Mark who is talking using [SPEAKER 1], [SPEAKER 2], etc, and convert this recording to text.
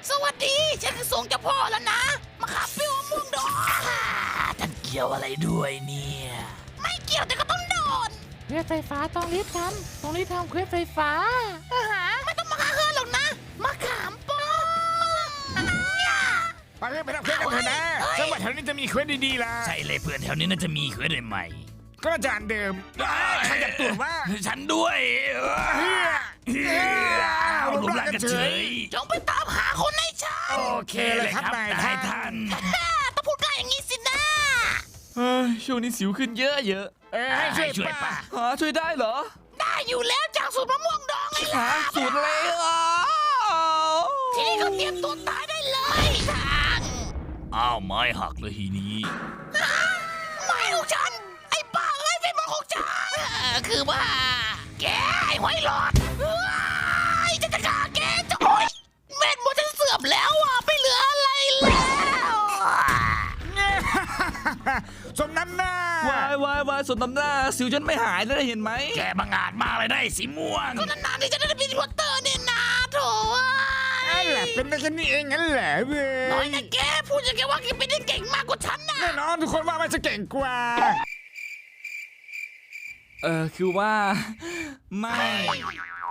[SPEAKER 1] สวัสดีฉันคือส่งเจ้าพ่อแล้วนะมาขับเปรี้ยวม่วงดองท่านเกี่ยวอะไรด้วยเนี่ยไม่เกี่ยวแต่ก็ต้องโดน
[SPEAKER 2] เควสไฟฟ้าต้องรีบทำเควสไฟฟ้า
[SPEAKER 1] ไม่ต้องมาฆ่าเธอหรอกนะมาขามป้อม
[SPEAKER 3] ไปทำเควสกันเถอะนะจังหวัดแถวนี้จะมีเควสดีๆล่ะ
[SPEAKER 4] ใช่เลยเพื่อนแถวนี้น่าจะมีเควสใหม่
[SPEAKER 3] ก็อาจารย์เดิมขยับตัวว่า
[SPEAKER 4] ฉันด้วย
[SPEAKER 3] รูปร่างกันเฉย
[SPEAKER 1] จงไปตามหาคนให้ฉัน
[SPEAKER 3] โอเคเลยครับนาย
[SPEAKER 4] นาย
[SPEAKER 3] ท่า
[SPEAKER 4] ท่าน น
[SPEAKER 1] ต้องพูดได้อย่างนี้สินะ
[SPEAKER 5] ช่วงนี้สิวขึ้นเยอะ
[SPEAKER 3] ให้ช่วย
[SPEAKER 4] ช่วย
[SPEAKER 3] ป้า
[SPEAKER 4] ป่ะ
[SPEAKER 5] ช่วยได้เหรอ
[SPEAKER 1] ได้อยู่แล้วจากสูตรมะม่วงดองไงล่ะ
[SPEAKER 5] สูตรอะไร
[SPEAKER 1] ทีนี้ก็เตรียมตัวตายได้เลยทาง
[SPEAKER 4] อ้าวไม้หักเลยทีนี้
[SPEAKER 1] ไม้ของฉันไอ้บ้าเอ้ยเป็นมือของฉันคือว่าแกไอ้หอยหลอดจะฆ่าแกจะโอ๊ยเม็ดมดฉันเสื่อมแล้วอ่ะไม่เหลืออะไรแล้ว
[SPEAKER 3] สมน้ำหน้า
[SPEAKER 5] วายสนตำหน้าสิวฉันไม่หายเลยเห็นไหม
[SPEAKER 4] แกบังอาจมากเลยได้สีม่วง
[SPEAKER 1] ก็นานๆที่จะได้เป็นรีพอร์เตอร์เนี่ยนะโถ
[SPEAKER 3] นั่นแหละเป็นได้แค่นี้เองงั้นแหละเว้
[SPEAKER 1] น้อย
[SPEAKER 3] ย
[SPEAKER 1] นะแกพูดอย่างแกว่าแกเป็นได้เก่งมากกว่าฉันนะ
[SPEAKER 3] แน่นอนทุกคนว่ามันจะเก่งกว่า
[SPEAKER 5] คือว่า ไม่